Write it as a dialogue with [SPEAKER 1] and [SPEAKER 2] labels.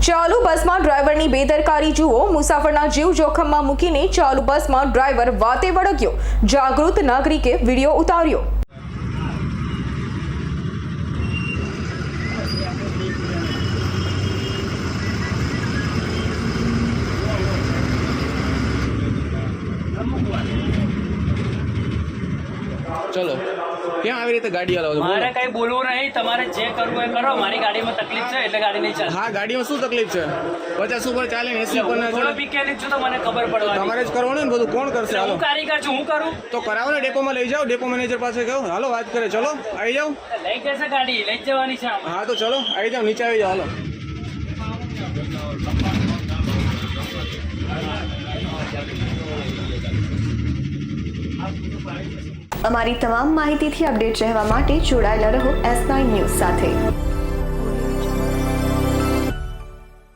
[SPEAKER 1] ચાલુ બસમાં ડ્રાઈવરની બેદરકારી જુઓ। મુસાફરના જીવ જોખમમાં મૂકીને ચાલુ બસમાં ડ્રાઈવર વાતે વળગ્યો। જાગૃત નાગરિકે વિડીયો ઉતાર્યો।
[SPEAKER 2] चलो क्या આવી રીતે ગાડી હલાવો?
[SPEAKER 3] મારે કઈ બોલવું નહીં, તમારે જે કરવું એ કરો। મારી ગાડીમાં તકલીફ છે એટલે ગાડી નહીં ચાલે।
[SPEAKER 2] હા, ગાડીમાં શું તકલીફ છે? 50 ઉપર ચાલે ને 80 ઉપર ના
[SPEAKER 3] થોડો
[SPEAKER 2] ચાલે?
[SPEAKER 3] પીકેલી છું તો મને ખબર પડવાની।
[SPEAKER 2] તમારે જ કરવાનું ને બધું, કોણ કરશે? હાલો,
[SPEAKER 3] હું કારીગર છું, હું કરું
[SPEAKER 2] તો કરાવો ને, ડેપોમાં લઈ જાઓ, ડેપો મેનેજર પાસે કહો, હાલો વાત કરે। ચલો આવી જાઓ।
[SPEAKER 3] લઈ જશે ગાડી, લઈ જ જવાની છે આમાં।
[SPEAKER 2] હા તો ચલો આવી જાઓ, નીચે આવી જાઓ, હાલો।
[SPEAKER 1] અમારી તમામ માહિતીથી અપડેટ રહેવા માટે જોડાયેલા રહો S9 ન્યૂઝ સાથે।